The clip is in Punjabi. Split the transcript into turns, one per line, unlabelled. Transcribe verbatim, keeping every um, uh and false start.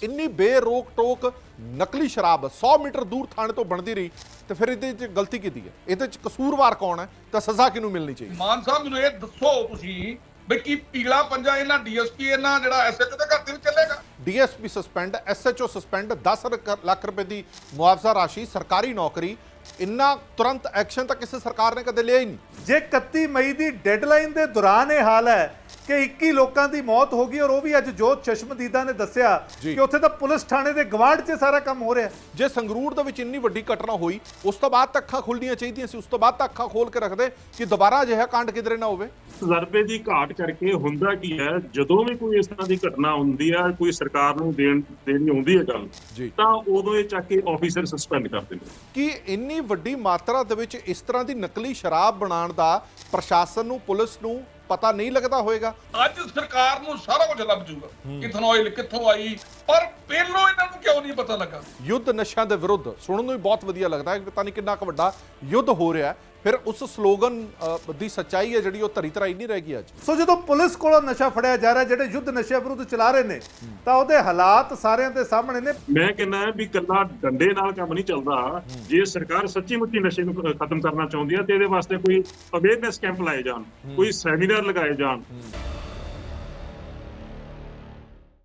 ਇੰਨੀ ਬੇਰੋਕ ਟੋਕ ਨਕਲੀ ਸ਼ਰਾਬ ਸੌ ਮੀਟਰ ਦੂਰ ਥਾਣੇ ਤੋਂ ਬਣਦੀ ਰਹੀ ਤੇ ਫਿਰ ਇਹਦੇ 'ਚ ਗਲਤੀ ਕੀਤੀ ਹੈ, ਇਹਦੇ 'ਚ ਕਸੂਰਵਾਰ ਕੌਣ ਹੈ ਤਾਂ ਸਜ਼ਾ ਕਿਹਨੂੰ ਮਿਲਣੀ ਚਾਹੀਦੀ?
ਮਾਨ ਸਾਹਿਬ ਮੈਨੂੰ ਇਹ ਦੱਸੋ ਤੁਸੀਂ ਵੀ ਕੀ ਪੀਲਾ ਪੰਜਾ ਇਹਨਾਂ ਡੀਐਸਪੀ ਇਹਨਾਂ ਜਿਹੜਾ ਐਸਐਚਓ ਦੇ ਘਰ ਦੇ ਵਿੱਚ ਚੱਲੇਗਾ?
ਡੀਐਸਪੀ ਸਸਪੈਂਡ, ਐਸਐਚਓ ਸਸਪੈਂਡ, ਦਸ ਲੱਖ ਰੁਪਏ ਦੀ ਮੁਆਵਜ਼ਾ ਰਾਸ਼ੀ, ਸਰਕਾਰੀ ਨੌਕਰੀ, ਇੰਨਾ ਤੁਰੰਤ ਐਕਸ਼ਨ ਤਾਂ ਕਿਸੇ ਸਰਕਾਰ ਨੇ ਕਦੇ ਲਿਆ ਹੀ ਨਹੀਂ।
ਜੇ ਇਕੱਤੀ ਮਈ ਦੀ ਡੈਡਲਾਈਨ ਦੇ ਦੌਰਾਨ ਇਹ ਹਾਲ ਹੈ ਕਿ ਇੱਕੀ ਲੋਕਾਂ ਦੀ ਮੌਤ ਹੋ ਗਈ ਔਰ ਉਹ ਵੀ ਅੱਜ ਜੋਤ ਚਸ਼ਮਦੀਦਾ ਨੇ ਦੱਸਿਆ ਕਿ ਉੱਥੇ ਤਾਂ ਪੁਲਿਸ ਥਾਣੇ ਦੇ ਗਵਾੜ 'ਚ ਸਾਰਾ ਕੰਮ ਹੋ ਰਿਹਾ।
ਜੇ ਸੰਗਰੂਰ ਦੇ ਵਿੱਚ ਇੰਨੀ ਵੱਡੀ ਘਟਨਾ ਹੋਈ ਉਸ ਤੋਂ ਬਾਅਦ ਤਾਂ ਅੱਖਾਂ ਖੁੱਲਣੀਆਂ ਚਾਹੀਦੀਆਂ ਸੀ, ਉਸ ਤੋਂ ਬਾਅਦ ਤਾਂ ਅੱਖਾਂ ਖੋਲ ਕੇ ਰੱਖਦੇ ਕਿ ਦੁਬਾਰਾ ਅਜਿਹਾ ਕਾਂਡ ਕਿਧਰੇ ਨਾ ਹੋਵੇ।
ਤਜਰਬੇ ਦੀ ਘਾਟ ਕਰਕੇ ਹੁੰਦਾ ਕੀ ਹੈ, ਜਦੋਂ ਵੀ ਕੋਈ ਇਸ ਤਰ੍ਹਾਂ ਦੀ ਘਟਨਾ ਹੁੰਦੀ ਹੈ, ਕੋਈ ਸਰਕਾਰ ਨੂੰ ਦੇਣ ਦੇਣੀ ਆਉਂਦੀ ਹੈ ਗੱਲ, ਤਾਂ ਉਦੋਂ ਇਹ ਚੱਕ ਕੇ ਆਫੀਸਰ ਸਸਪੈਂਡ ਕਰ ਦਿੰਦੇ।
ਕਿ ਇੰਨੀ ਵੱਡੀ ਮਾਤਰਾ ਦੇ ਵਿੱਚ ਇਸ ਤਰ੍ਹਾਂ ਦੀ ਨਕਲੀ ਸ਼ਰਾਬ ਬਣਾਉਣ ਦਾ ਪ੍ਰਸ਼ਾਸਨ ਨੂੰ, ਪੁਲਿਸ ਨੂੰ ਪਤਾ ਨਹੀਂ ਲੱਗਦਾ ਹੋਏਗਾ?
ਅੱਜ ਸਰਕਾਰ ਨੂੰ ਸਾਰਾ ਕੁਝ ਲੱਭ ਜੂਗਾ, ਕਿੱਥੋਂ ਆਇਲ ਕਿੱਥੋਂ ਆਈ, ਪਰ ਪਹਿਲੋਂ ਇਹਨਾਂ ਨੂੰ ਕਿਉਂ ਨਹੀਂ ਪਤਾ ਲੱਗਾ?
ਯੁੱਧ ਨਸ਼ਿਆਂ ਦੇ ਵਿਰੁੱਧ ਸੁਣਨ ਨੂੰ ਵੀ ਬਹੁਤ ਵਧੀਆ ਲੱਗਦਾ ਹੈ, ਪਤਾ ਨਹੀਂ ਕਿੰਨਾ ਕੁ ਵੱਡਾ ਯੁੱਧ ਹੋ ਰਿਹਾ ਹੈ। ਫਿਰ ਉਸ ਸਲੋਗਨ ਦੀ ਸੱਚਾਈ ਹੈ ਜਿਹੜੀ ਉਹ ਧਰੀ ਧਰਾਈ ਨਹੀਂ ਰਹਿ ਗਈ ਅੱਜ।
ਸੋ ਜਦੋਂ ਪੁਲਿਸ ਕੋਲੋਂ ਨਸ਼ਾ ਫੜਿਆ ਜਾ ਰਿਹਾ, ਜਿਹੜੇ ਯੁੱਧ ਨਸ਼ਿਆਂ ਵਿਰੁੱਧ ਚਲਾ ਰਹੇ ਨੇ, ਤਾਂ ਉਹਦੇ ਹਾਲਾਤ ਸਾਰਿਆਂ ਦੇ ਸਾਹਮਣੇ ਨੇ।
ਮੈਂ ਕਹਿੰਦਾ ਵੀ ਕੱਲਾ ਡੰਡੇ ਨਾਲ ਕੰਮ ਨਹੀਂ ਚੱਲਦਾ। ਜੇ ਸਰਕਾਰ ਸੱਚੀ ਮੁੱਚੀ ਨਸ਼ੇ ਨੂੰ ਖਤਮ ਕਰਨਾ ਚਾਹੁੰਦੀ ਹੈ ਤੇ ਇਹਦੇ ਵਾਸਤੇ ਕੋਈ ਅਵੇਅਰਨੈਸ ਕੈਂਪ ਲਾਏ ਜਾਣ, ਕੋਈ ਸੈਮੀਨਾਰ ਲਗਾਏ ਜਾਣ।